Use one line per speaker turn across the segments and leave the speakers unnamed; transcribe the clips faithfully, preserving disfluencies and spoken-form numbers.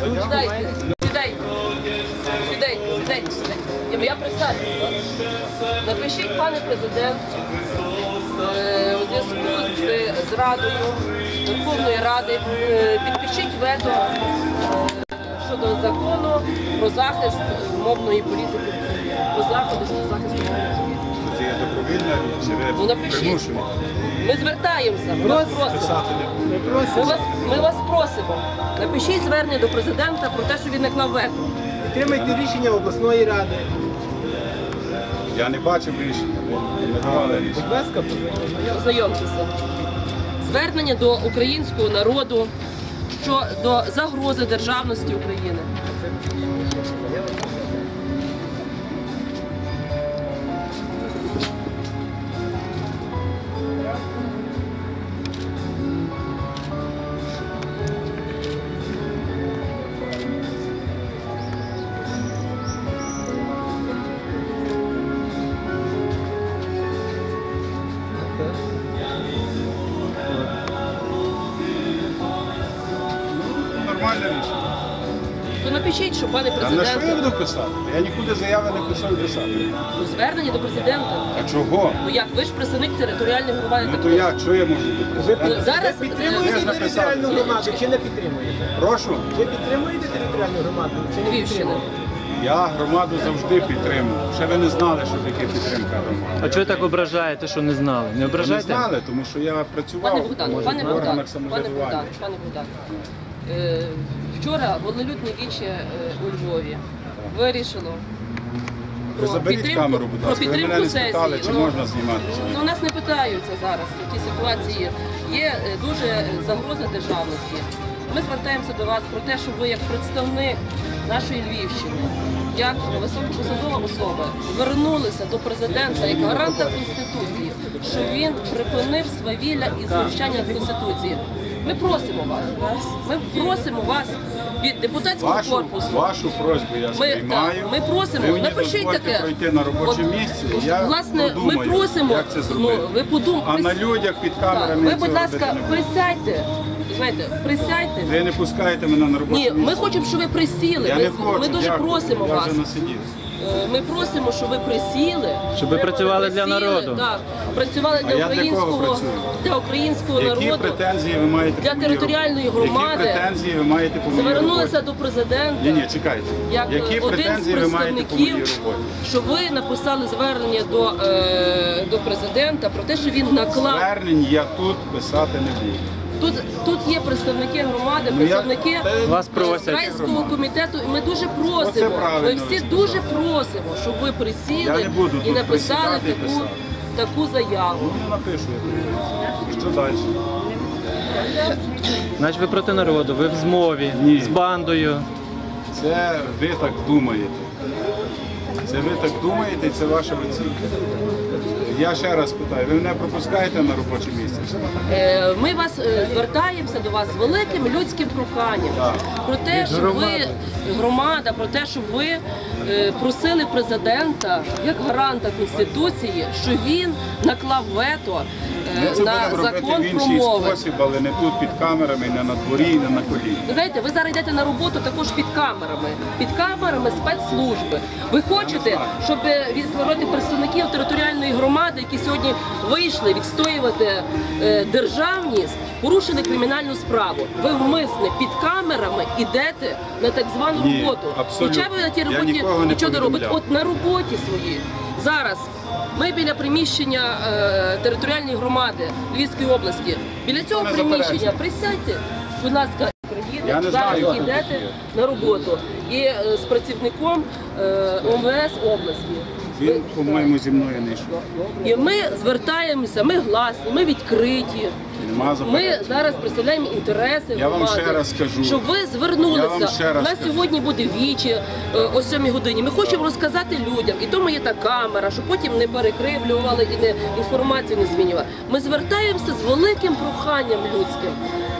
Сідайте, сідайте, сідайте, сідайте, сідайте. Я присаджу. Напишіть, пане президент, у зв'язку з Радою Верховної Ради, підпишіть вето щодо закону про захист мовної політики, про заходи щодо захисту мовної політики.
Це є добровільна чи ви примушені?
Ми звертаємося, ми вас просимо. Ми вас, ми вас просимо. Напишіть звернення до президента про те, що він наклав вето.
Підтримайте рішення обласної ради.
Я не бачив рішення, не давали рішення.
Будь ласка,
Ознайомтеся. Звернення до українського народу щодо загрози державності України.
Нормальне рішення.
То напишіть, що, пане
А на що я
президенте,
буду писати? Я нікуди заяви не писав писати.
ну, звернення до президента.
А чого?
Ну як, ви ж представник територіальної громади.
Ну то як, що я можу бути
Ну,
президентом?
зараз
ви підтримуєте
Я ж написав.
територіальну громаду чи не підтримуєте?
Прошу.
Ви підтримуєте територіальну громаду чи не
Львівщини.
підтримуєте?
Я громаду завжди підтримую. Ще ви не знали, що таке підтримка громади.
А чого ви так ображаєте, що не знали? Не
Ви не
ображайте?
знали, тому що я працював
Пане Богдан,
може,
пане
в
Богдан,
органах
пане Богдан,
самоврядування.
пане Богдан. Е, Вчора волелюдне віче е, у Львові вирішило
Ви заберіть камеру, будь
про
ласка. Ви мене
підтримку
не спитали,
сесії.
чи можна зніматися.
Ну, нас не питаються зараз в цій ситуації. Є е, дуже загроза державності. Ми звертаємося до вас про те, щоб ви як представник нашої Львівщини, як високопосадова особа, звернулися до президента як гаранта Конституції, що він припинив свавілля і знущання над Конституцією. Ми просимо вас, ми просимо вас від депутатського
Вашу,
корпусу.
вашу просьбу я
Ми,
сприймаю.
так, ми просимо,
ви мені
напишіть
дозвольте
таке.
пройти на робоче
От,
місце,
от,
я
власне,
подумаю,
ми просимо,
як це зробити.
ну, ви подум...
А на людях під камерами
ви,
я
будь
цього
ласка,
робити не буду.
присядьте. Знаєте, присядьте.
Ви не пускаєте мене на робоче
Ні,
місце.
ми хочемо, щоб ви присіли.
Я
Ми,
не хочу,
ми дуже
дякую.
просимо
я
вас.
вже насидівся.
Е, Ми просимо, щоб ви присіли.
Щоб ви працювали для
Присіли,
народу.
Так, працювали
А
для
я для кого
українського,
працюю?
для українського
Які
народу.
претензії ви маєте
Для
по моїй
територіальної
роботі?
громади.
Які претензії ви маєте по моїй
Звернулися
роботі?
до президента.
Ні, ні, чекайте.
Як
Які
один з
претензії ви маєте по моїй
представників,
роботі?
що ви написали звернення до, е, до президента про те, що він наклав.
Звернень я тут писати не буду.
Тут, тут є представники громади,
Ну, я-
представники
Та-
Вас просять.
райського комітету, і ми дуже
Оце
просимо,
правильно
ми
ви
всі
сказали.
дуже просимо, щоб ви
Я
присіли
не буду
і
тут
написали
присідати і
таку,
писати.
таку заяву.
Ну, напишу я. Що далі?
Значить ви проти народу, ви в змові,
Ні.
з бандою.
Це ви так думаєте. Це ви так думаєте і це ваша оцінка. Я ще раз питаю, ви мене пропускаєте на робоче місце?
Е, Ми вас е, звертаємося до вас з великим людським проханням
Так.
про те,
Від
щоб ви
громади.
громада, про те, щоб ви е, просили президента як гаранта Конституції, що він наклав вето е,
Ми це
на
будемо робити
закон
в
про
інший
мови.
спосіб, але не тут під камерами, не на дворі, і не на коліні.
Ви знаєте, ви зараз йдете на роботу також під камерами, під камерами спецслужби. Ви хочете, щоб відтворити представників територіальної громади, які сьогодні вийшли відстоювати е, державність, порушили кримінальну справу. Ви вмисне під камерами йдете на так звану
Ні,
роботу.
абсолютно.
Хоча ви на тій
Я
роботі
нікого не
нічого не робите.
повідомляв.
От на роботі своїй зараз. Ми біля приміщення е, територіальної громади Львівської області. Біля цього
Не
приміщення
заперечую.
присядьте, будь ласка,
Я
приїдете,
не знаю,
зараз
хто тут
йдете
є.
на роботу. І е, з працівником е, ОМВС області.
Він, по-моєму, зі мною не йшов.
І ми звертаємося, ми гласні, ми відкриті.
Нема
Ми
заперечень.
зараз представляємо інтереси
Я вам
громади.
ще раз скажу.
Щоб ви
Я
звернулися.
вам ще раз
У нас
скажу.
сьогодні буде вічі е, о сьомій годині. Ми хочемо розказати людям, і тому є та камера, щоб потім не перекривлювали і не інформацію не змінювали. Ми звертаємося з великим проханням людським.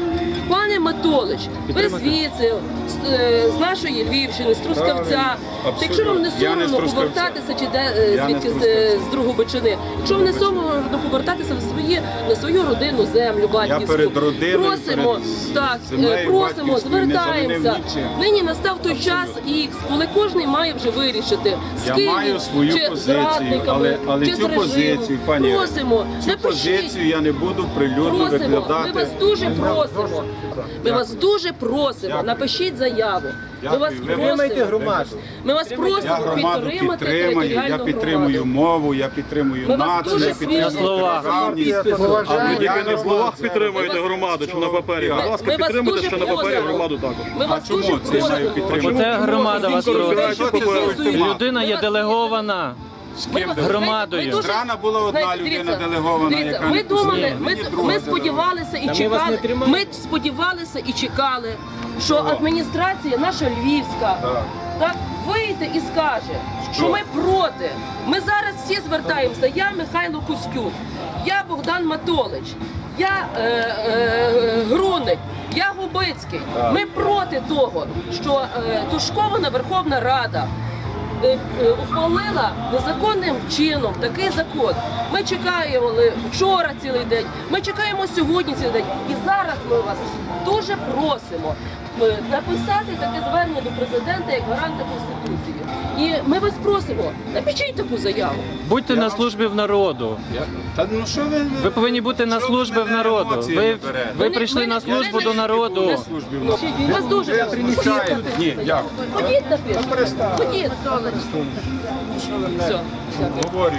Пане Матолич, ви
Підтримати.
звідси, з, е, з нашої Львівщини, з Трускавця.
Абсолютно.
Якщо вам не
Я не з
соромно
Трускавця.
повертатися чи де е,
Я не
звідки
з
з,
Трускавця.
з Другобичини, якщо вам не соромно повертатися в свої на свою родинну землю батьківську,
перед родиною,
просимо,
перед
так,
землею
е, просимо,
батьківською не
звертаємося.
замінив нічим.
Нині настав той час Ікс, коли кожен має вже вирішити, з
Я
ким
маю
він,
свою
чи
позицію,
зрадниками,
але, але
чи з
цю
режимом.
позицію, пані, Ірино,
просимо,
цю
напишіть.
позицію я не буду прилюдно
Просимо, ми
викладати.
вас дуже просимо. Ми вас дуже просимо.
Дякую.
Напишіть заяву. Ми
Дякую.
вас
Ви
Підтримайте
просимо.
громаду.
Ми вас
Я
просимо
громаду
підтримати
підтримую, я
територіальну
підтримую
громаду.
мову, я підтримую
Ми вас
націю,
дуже
я підтримую
свідчимо.
Слова.
державність.
Підпису.
Але
Тільки
я не
на словах
буду
підтримуєте
Ми вас-
громаду чи на папері.
Ми-
Будь ласка,
ми вас
підтримуйте
дуже
ще на папері
просимо.
громаду також.
Ми
А
вас
чому
дуже
це маю
просимо.
підтримати?
Оце громада вас
Розбирайте
просить.
папери.
Людина є делегована.
З
Ми-
ким
ми-
Громадою.
ми дуже-
Странно була одна
знаєте,
людина
дивіться,
делегована,
дивіться,
яка
ми
не
думали,
пустила.
ми,
Мені друга
ми сподівалися і
Та ми вас не
чекали.
тримаємо.
Ми сподівалися і чекали, що адміністрація наша львівська
Так.
так вийде і скаже, що
Що?
ми проти. Ми зараз всі звертаємося. Я Михайло Кузькюк, я Богдан Матолич, я е, е, Груник, я Губицький.
Так.
Ми проти того, що е, тушкована Верховна Рада е, е, ухвалила незаконним чином такий закон. Ми чекаємо вчора цілий день, ми чекаємо сьогодні цілий день. І зараз ми вас дуже просимо е, написати таке звернення до президента як гаранта Конституції. І ми вас просимо, напишіть таку заяву.
Будьте на службі в народу.
Я- Та ну що ви...
Ви повинні бути на
Що
службі
ви
в
мене
народу.
емоціями
Ви,
берете?
ви
не-
прийшли
ми
на
не-
службу
ми не-
до народу.
На службі в нас.
Ми вас дуже
Я
просимо.
примічаю. Ні, дякую.
Ходіть напишіть.
перестань.
Ходіть. Все.
Говорю.